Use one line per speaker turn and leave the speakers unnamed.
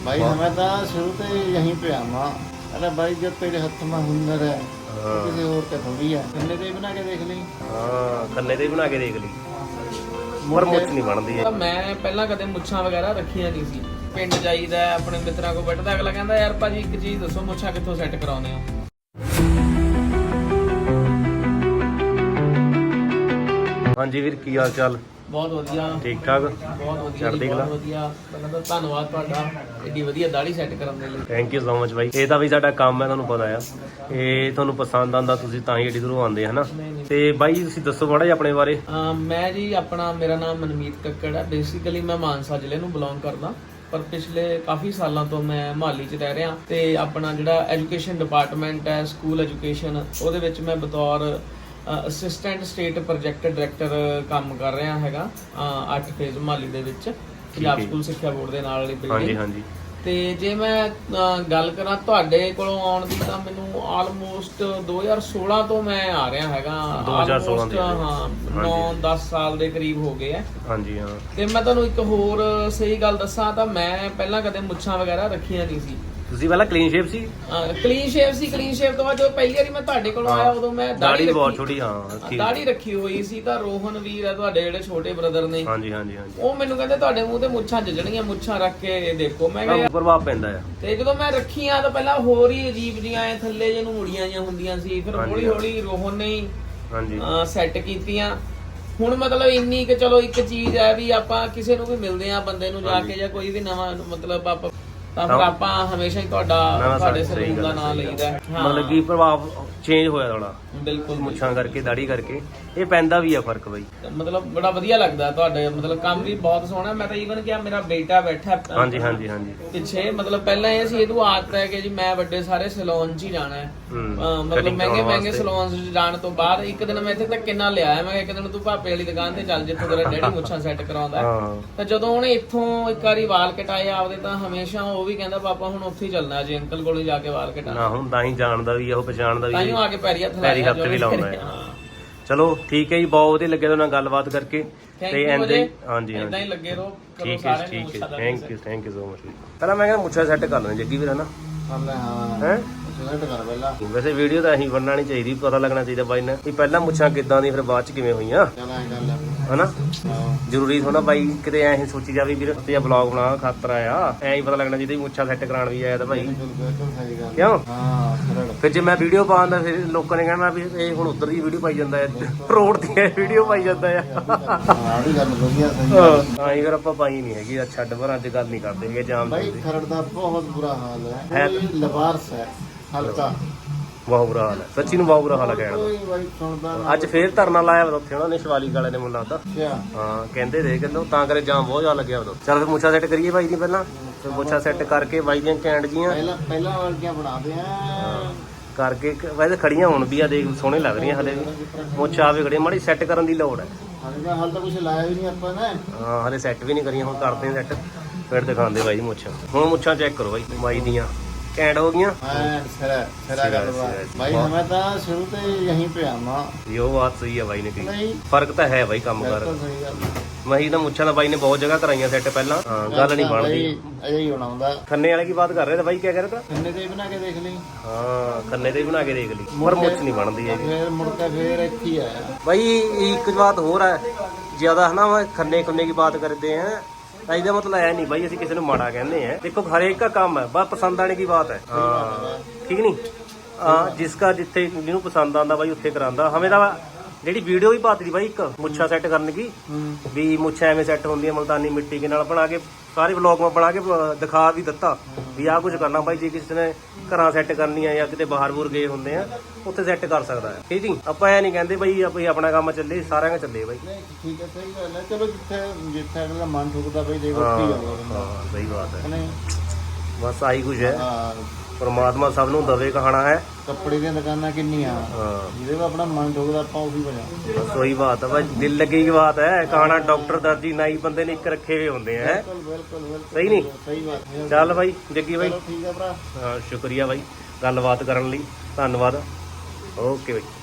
भाई हमें तो शुरू से यहीं पे आना। अरे भाई जब तेरे हाथ में हुनर है किसी और का थोड़ी है। खन्ने ते बना के देख ली।
ਹਾਂ ਖੰਨੇ ਤੇ ਬਣਾ ਕੇ ਦੇਖ ਲਈ ਪਰ ਮੁੱਛ ਨਹੀਂ ਬਣਦੀ ਹੈ।
ਮੈਂ ਪਹਿਲਾਂ ਕਦੇ ਮੁੱਛਾਂ ਵਗੈਰਾ ਰੱਖੀਆਂ ਨਹੀਂ ਸੀ। ਪਿੰਡ ਜਾਈਦਾ ਆਪਣੇ ਮਿੱਤਰਾਂ ਕੋਲ ਬੈਠਦਾ, ਅਗਲਾ ਕਹਿੰਦਾ ਯਾਰ ਭਾਜੀ ਇੱਕ ਚੀਜ਼ ਦੱਸੋ, ਮੁੱਛਾਂ ਕਿੱਥੋਂ ਸੈੱਟ ਕਰਾਉਂਦੇ ਹੋ?
ਹਾਂਜੀ ਵੀਰ, ਕੀ ਹਾਲ ਚਾਲ?
ਬਹੁਤ ਵਧੀਆ,
ਠੀਕ ਠਾਕ,
ਬਹੁਤ ਵਧੀਆ
ਚੜ੍ਹਦੀ
ਜੀ,
ਕਲਾ।
ਬਹੁਤ ਵਧੀਆ। ਪਹਿਲਾਂ ਤਾਂ ਧੰਨਵਾਦ ਤੁਹਾਡਾ ਏਡੀ ਵਧੀਆ ਦਾੜੀ ਸੈੱਟ ਕਰਨ ਦੇ ਲਈ।
ਥੈਂਕ ਯੂ ਸੋ ਮਚ ਬਾਈ। ਇਹ ਤਾਂ ਵੀ ਸਾਡਾ ਕੰਮ ਹੈ, ਤੁਹਾਨੂੰ ਪਤਾ ਆ। ਇਹ ਤੁਹਾਨੂੰ ਪਸੰਦ ਆਉਂਦਾ, ਤੁਸੀਂ ਤਾਂ ਹੀ ਏਡੀ ਦੂਰੋਂ ਆਉਂਦੇ ਹਨਾ। ਤੇ ਬਾਈ ਤੁਸੀਂ ਦੱਸੋ ਮਾੜਾ ਜਿਹਾ ਆਪਣੇ ਬਾਰੇ।
ਮੈਂ ਜੀ ਮੇਰਾ ਨਾਮ ਮਨਮੀਤ ਕੱਕੜ ਹੈ। ਬੇਸਿਕਲੀ ਮੈਂ ਮਾਨਸਾ ਜ਼ਿਲ੍ਹੇ ਨੂੰ ਬਿਲੋਂਗ ਕਰਦਾ, ਪਰ ਪਿਛਲੇ ਕਾਫੀ ਸਾਲਾਂ ਤੋਂ ਮੈਂ ਮੁਹਾਲੀ 'ਚ ਰਹਿ ਰਿਹਾ। ਤੇ ਆਪਣਾ ਜਿਹੜਾ ਐਜੂਕੇਸ਼ਨ ਡਿਪਾਰਟਮੈਂਟ ਹੈ, ਸਕੂਲ ਐਜੂਕੇਸ਼ਨ, ਉਹਦੇ ਵਿੱਚ ਮੈਂ ਬਤੌਰ ਅਸਿਸਟੈਂਟ ਸਟੇਟ ਪ੍ਰੋਜੈਕਟ ਡਾਇਰੈਕਟਰ ਕੰਮ ਕਰ ਰਿਹਾ ਹੈਗਾ 8 ਫੇਜ਼ ਮੁਹਾਲੀ ਦੇ ਵਿੱਚ, ਪੰਜਾਬ ਸਕੂਲ ਸਿੱਖਿਆ ਬੋਰਡ ਦੇ ਨਾਲ ਵਾਲੀ ਬਿਲਡਿੰਗ।
ਹਾਂਜੀ।
ਤੇ ਜੇ ਮੈਂ ਗੱਲ ਕਰਾਂ ਤੁਹਾਡੇ ਕੋਲੋਂ ਆਉਣ ਦੀ, ਤਾਂ ਮੈਨੂੰ ਆਲਮੋਸਟ 2016 ਤੋਂ ਮੈਂ ਆ ਰਿਹਾ ਹੈਗਾ।
2016 ਦੇ
ਹਾਂ 9-10 ਸਾਲ ਦੇ ਕਰੀਬ ਹੋ ਗਏ ਆ।
ਹਾਂਜੀ ਹਾਂ।
ਤੇ ਮੈਂ ਤੁਹਾਨੂੰ ਇੱਕ ਹੋਰ ਸਹੀ ਗੱਲ ਦੱਸਾਂ ਤਾਂ ਮੈਂ ਪਹਿਲਾਂ ਕਦੇ ਮੁੱਛਾਂ ਵਗੈਰਾ ਰੱਖੀਆਂ ਨਹੀਂ ਸੀ।
ਤੁਸੀਂ ਪਹਿਲਾਂ ਕਲੀਨ ਸ਼ੇਪ ਸੀ?
ਕਲੀਨ ਸ਼ੇਪ ਤੋਂ ਬਾਅਦ ਜਦੋਂ ਪਹਿਲੀ ਵਾਰੀ ਮੈਂ ਤੁਹਾਡੇ ਕੋਲ ਆਇਆ, ਉਦੋਂ ਮੈਂ
ਦਾੜੀ ਬਹੁਤ ਛੋਟੀ, ਹਾਂ
ਦਾੜੀ ਰੱਖੀ ਹੋਈ ਸੀ। ਤਾਂ ਰੋਹਨ ਵੀਰ ਹੈ ਤੁਹਾਡੇ ਜਿਹੜੇ ਛੋਟੇ ਬ੍ਰਦਰ ਨੇ,
ਹਾਂਜੀ,
ਉਹ ਮੈਨੂੰ ਕਹਿੰਦੇ ਤੁਹਾਡੇ ਮੂੰਹ ਤੇ ਮੁੱਛਾਂ ਜਜਣੀਆਂ, ਮੁੱਛਾਂ ਰੱਖ ਕੇ ਦੇਖੋ। ਮੈਂ ਕਿਹਾ
ਪ੍ਰਭਾਵ ਪੈਂਦਾ ਆ।
ਤੇ ਜਦੋਂ ਮੈਂ ਰੱਖੀਆਂ ਤਾਂ ਪਹਿਲਾਂ ਹੋਰ ਹੀ ਅਜੀਬ ਜੀਆਂ ਐ ਥੱਲੇ ਜਿਹਨੂੰ ਮੁੜੀਆਂ ਜੀਆਂ ਹੁੰਦੀਆਂ ਸੀ। ਫਿਰ ਹੌਲੀ ਹੌਲੀ ਰੋਹਨ ਨੇ ਹੀ ਸੈੱਟ ਕੀਤੀਆਂ। ਹੁਣ ਮਤਲਬ ਇੰਨੀ ਕਿ ਚਲੋ ਇੱਕ ਚੀਜ਼ ਹੈ ਵੀ ਆਪਾਂ ਕਿਸੇ ਨੂੰ ਵੀ ਮਿਲਦੇ ਆ ਬੰਦੇ ਨੂੰ ਜਾ ਕੇ, ਜਾਂ ਕੋਈ ਵੀ ਨਵਾਂ ਮਤਲਬ ਆਪਾਂ, ਤਾਂ ਫਿਰ ਆਪਾਂ ਹਮੇਸ਼ਾ ਹੀ ਤੁਹਾਡੇ ਸਲੂਨ ਦਾ ਨਾਮ ਲਈਦਾ।
ਮਤਲਬ ਕਿ ਪ੍ਰਭਾਵ ਚੇਂਜ ਹੋਇਆ ਥੋੜਾ,
ਬਿਲਕੁਲ
ਮੁੱਛਾਂ ਕਰਕੇ, ਦਾੜੀ ਕਰਕੇ। ਇਹ ਪੈਂਦਾ ਵੀ ਆ ਫਰਕ ਬਾਈ।
ਮਤਲਬ ਬੜਾ ਵਧੀਆ ਲੱਗਦਾ ਤੁਹਾਡੇ, ਮਤਲਬ ਕੰਮ ਵੀ ਬਹੁਤ ਸੋਹਣਾ। ਮੈਂ ਤਾਂ ਈਵਨ ਕਿਹਾ ਮੇਰਾ ਬੇਟਾ ਬੈਠਾ
ਹਾਂਜੀ
ਪਿੱਛੇ, ਮਤਲਬ ਪਹਿਲਾਂ ਇਹ ਸੀ ਇਹਨੂੰ ਆਦਤ ਹੈ ਕਿ ਜੀ ਮੈਂ ਵੱਡੇ ਸਾਰੇ ਸੈਲੂਨ 'ਚ ਹੀ ਜਾਣਾ ਹੈ। ਮਤਲਬ ਮਹਿੰਗੇ ਸੈਲੂਨ 'ਚ ਜਾਣ ਤੋਂ ਬਾਅਦ ਇੱਕ ਦਿਨ ਮੈਂ ਇੱਥੇ ਤੱਕ ਕਿੰਨਾ ਲਿਆਇਆ। ਮੈਂ ਇੱਕ ਦਿਨ ਤੂੰ ਭਾਪੇ ਵਾਲੀ ਦੁਕਾਨ ਤੇ ਚੱਲ ਜਿੱਥੋਂ ਤੇਰਾ ਡੈਡੀ ਮੁੱਛਾਂ ਸੈੱਟ ਕਰਾਉਂਦਾ। ਤਾਂ ਜਦੋਂ ਉਹਨੇ ਇੱਥੋਂ ਇੱਕ ਵਾਰੀ ਵਾਲ ਕਟਾਏ ਆਪਦੇ, ਤਾਂ ਹਮੇਸ਼ਾ ਉਹ ਵੀ ਕਹਿੰਦਾ ਪਾਪਾ ਹੁਣ ਉੱਥੇ ਹੀ ਚੱਲਣਾ ਜੀ, ਅੰਕਲ ਕੋਲ ਜਾ ਕੇ ਵਾਲ ਕਟਾਣਾ।
ਹੁਣ ਤਾਂ ਹੀ ਜਾਣਦਾ ਵੀ, ਉਹ ਪਛਾਣਦਾ ਵੀ,
ਤਾਂ ਹੀ ਆ ਕੇ ਪੈਰੀ ਹੱਥ
ਵੀ ਲਾਉਂਦਾ ਹੈ। ਚਲੋ ਠੀਕ ਹੈ ਜੀ, ਬਹੁਤ ਵਧੀਆ ਲੱਗਿਆ ਤੁਹਾਡੇ ਨਾਲ ਗੱਲਬਾਤ ਕਰਕੇ। ਤੇ ਹਾਂਜੀ
ਇਦਾਂ ਹੀ ਲੱਗੇ ਰਹੋ।
ਠੀਕ ਹੈ। Thank you so much. ਪਹਿਲਾਂ ਮੈਂ ਕਹਿੰਦਾ ਮੁੱਛਾਂ ਸੈੱਟ ਕਰ ਲੈਣ ਜੱਗੀ ਵੀਰ, ਹਨਾ? ਹੈ ਵੈਸੇ ਵੀਡੀਓ ਤਾਂ ਅਸੀਂ ਬਣਨਾ ਨਹੀਂ ਚਾਹੀਦੀ, ਪਤਾ ਲੱਗਣਾ ਚਾਹੀਦਾ ਬਾਈ ਨੇ ਵੀ ਪਹਿਲਾਂ ਮੁੱਛਾਂ ਕਿੱਦਾਂ ਦੀ, ਫਿਰ ਬਾਅਦ ਚ ਕਿਵੇਂ ਹੋਈਆਂ, ਹਨਾ? ਜ਼ਰੂਰੀ ਥੋੜਾ ਬਾਈ ਕਿਤੇ ਐਂ ਸੋਚੀ ਜਾਵੇ ਵੀਰ ਤੇ ਵਲੌਗ ਬਣਾ ਖਾਤਰ ਆਇਆ, ਐਂ ਹੀ ਪਤਾ ਲੱਗਣਾ ਚਾਹੀਦਾ ਮੁੱਛਾਂ ਸੈੱਟ ਕਰਾਉਣ ਵੀ ਆਇਆ ਤਾਂ ਭਾਈ, ਕਿਉਂ? ਫਿਰ ਜੇ ਮੈਂ ਵੀਡੀਓ ਪਾਉਂਦਾ ਫਿਰ ਲੋਕਾਂ ਨੇ ਕਹਿਣਾ ਵੀ ਇਹ ਹੁਣ ਉਧਰ ਦੀ ਵੀਡੀਓ ਪਾਈ ਜਾਂਦਾ ਹੈ, ਰੋਡ ਦੀ ਵੀਡੀਓ ਪਾਈ ਜਾਂਦਾ ਆ। ਹਾਂ ਫਿਰ ਆਪਾਂ ਪਾਈ ਨਹੀਂ ਹੈਗੀ, ਛੱਡ ਪਰ ਅੱਜ ਗੱਲ ਨਹੀਂ ਕਰਦੇ ਹੈਗੇ। ਜਾਮ
खरड़ ਦਾ ਬਹੁਤ ਬੁਰਾ ਹਾਲ ਹੈ, ਲਵਾਰਸ ਹੈ ਹਲਕਾ,
ਬਹੁਤ ਬੁਰਾ ਹਾਲ ਹੈ ਸੱਚੀ ਨੂੰ, ਬਹੁਤ ਬੁਰਾ ਹਾਲ ਹੈ ਕਹਿਣਾ। ਅੱਜ ਫੇਰ ਧਰਨਾ ਲਾਇਆ ਵਾ ਉੱਥੇ ਉਹਨਾਂ ਨੇ, ਸ਼ਿਵਾਲਿਕ ਵਾਲੇ ਨੇ ਮੈਨੂੰ ਲੱਗਦਾ। ਹਾਂ ਕਹਿੰਦੇ ਦੇ ਕਹਿੰਦੇ ਤਾਂ ਕਰੇ ਜਾਮ ਬਹੁਤ ਜ਼ਿਆਦਾ ਲੱਗਿਆ ਉਦੋਂ। ਚੱਲ ਫਿਰ ਮੁੱਛਾਂ ਸੈੱਟ ਕਰੀਏ ਬਾਈ ਦੀ ਪਹਿਲਾਂ, ਫਿਰ ਮੁੱਛਾਂ ਸੈੱਟ ਕਰਕੇ ਬਾਈ ਦੀਆਂ ਕੈਂਡ ਜੀਆਂ
ਪਹਿਲਾਂ ਵਾਲੀਆਂ ਬਣਾਦੇ ਆ
ਕਰਕੇ। ਵੈਸੇ ਖੜੀਆਂ ਹੁਣ ਵੀ ਆ, ਦੇਖ ਸੋਹਣੇ ਲੱਗ ਰਹੀਆਂ ਹਲੇ ਵੀ। ਮੁੱਛ ਆਵੇ ਖੜੀਆਂ, ਮਾੜੀ ਸੈੱਟ ਕਰਨ ਦੀ ਲੋੜ ਹੈ।
ਹਾਲ ਤਾਂ ਕੁਝ ਲਾਇਆ ਵੀ ਨਹੀਂ ਆਪਾਂ ਨੇ।
ਹਾਂ ਹਲੇ ਸੈੱਟ ਵੀ ਨਹੀਂ ਕਰੀਆਂ, ਹੁਣ ਕਰਦੇ ਆ ਸੈੱਟ, ਫਿਰ ਦਿਖਾਉਂਦੇ ਬਾਈ ਮੁੱਛਾਂ। ਹੁਣ ਮੁੱਛਾਂ ਚੈੱਕ ਕਰੋ ਬਾਈ, ਬਾਈ ਦੀਆਂ ਕੈਂਡ ਹੋ ਗਈਆਂ।
भाई हमें तो शुरू से यहीं पे आना।
ये बात सही है भाई ने कही, फर्क तो है भाई काम कर। मही तो मुच्छा तो भाई ने बहुत जगह कराई सेट पहला, गल नहीं बनती। खन्ने वाले की बात कर रहे थे भाई, क्या कह रहे थे?
खन्ने ते बना के देख ली।
हाँ खन्ने ते बना के देख ली, पर मुछ नहीं बनती है।
फिर मुड़ के फिर इत्थे आया
भाई। एक बात और है, ज्यादा है ना खन्ने खुन्ने की बात करते हैं, ਇਹਦਾ ਮਤਲਬ ਐ ਨਹੀਂ ਬਾਈ ਅਸੀਂ ਕਿਸੇ ਨੂੰ ਮਾੜਾ ਕਹਿੰਦੇ ਆ। ਦੇਖੋ ਹਰੇਕ ਦਾ ਕੰਮ ਹੈ, ਬਸ ਪਸੰਦ ਆਣੇ ਦੀ ਬਾਤ ਹੈ। ਹਾਂ ਠੀਕ ਨਹੀਂ, ਜਿਸ ਦਾ ਜਿੱਥੇ ਜਿਹਨੂੰ ਪਸੰਦ ਆਉਂਦਾ ਬਾਈ ਉੱਥੇ ਕਰਾਂਦਾ। ਹਮੇ ਤਾਂ ਜਿਹੜੀ ਵੀਡੀਓ ਵੀ ਪਾਤੀ ਦੀ ਬਾਈ ਇੱਕ ਮੁੱਛਾਂ ਸੈੱਟ ਕਰਨ ਦੀ, ਵੀ ਮੁੱਛਾਂ ਐਵੇਂ ਸੈੱਟ ਹੁੰਦੀਆਂ ਮਲਤਾਨੀ ਮਿੱਟੀ ਦੇ ਨਾਲ ਬਣਾ ਕੇ, ਸਾਰੇ ਵਲੌਗ ਮੈਂ ਬਣਾ ਕੇ ਦਿਖਾ ਵੀ ਦਿੱਤਾ ਵੀ ਆਹ ਕੁਝ ਕਰਨਾ ਬਾਈ। ਜੇ ਕਿਸੇ ਨੇ ਘਰਾਂ ਸੈੱਟ ਕਰਨੀ ਆ ਜਾਂ ਕਿਤੇ ਬਾਹਰ ਬੂਰ ਗਏ ਹੁੰਦੇ ਆ, ਉੱਥੇ ਸੈੱਟ ਕਰ ਸਕਦਾ ਹੈ। ਠੀਕ ਨਹੀਂ, ਆਪਾਂ ਐ ਨਹੀਂ ਕਹਿੰਦੇ ਬਈ ਆਪਣਾ ਕੰਮ ਚੱਲੇ, ਸਾਰਿਆਂ ਦਾ ਚੱਲੇ ਬਾਈ।
ਠੀਕ ਹੈ, ਸਹੀ ਗੱਲ ਹੈ। ਚਲੋ ਜਿੱਥੇ ਅਗਲਾ ਮਨ ਠੁਕਦਾ ਬਈ ਦੇਖੋ।
ਹਾਂ ਸਹੀ ਬਾਤ ਹੈ, ਬਸ ਆਹੀ ਕੁਝ ਹੈ। ਪਰਮਾਤਮਾ ਸਭ ਨੂੰ ਦਵੇ ਕਹਾਣਾ ਹੈ।
ਕੱਪੜੇ ਦੀਆਂ ਦੁਕਾਨਾਂ ਕਿੰਨੀਆਂ, ਜਿਹਦੇ ਕੋਲ ਆਪਣਾ ਮਨ ਠੁਕਦਾ ਆਪਾਂ ਉਹੀ ਬਣਾ।
ਬਸ ਉਹੀ ਬਾਤ ਹੈ ਭਾਈ, ਦਿਲ ਲੱਗੀ ਕੀ ਬਾਤ ਹੈ। ਕਹਾਣਾ ਡਾਕਟਰ ਦਰਜੀ ਨਾਈ ਬੰਦੇ ਨੇ ਇੱਕ ਰੱਖੇ ਹੋਏ ਹੁੰਦੇ ਹੈ।
ਬਿਲਕੁਲ
ਸਹੀ ਨਹੀਂ,
ਸਹੀ ਬਾਤ।
ਚੱਲ ਬਾਈ ਜੱਗੀ ਬਾਈ,
ਠੀਕ ਹੈ ਭਰਾ।
ਹਾਂ ਸ਼ੁਕਰੀਆ ਬਾਈ ਗੱਲਬਾਤ ਕਰਨ ਲਈ, ਧੰਨਵਾਦ। ਓਕੇ ਬਾਈ।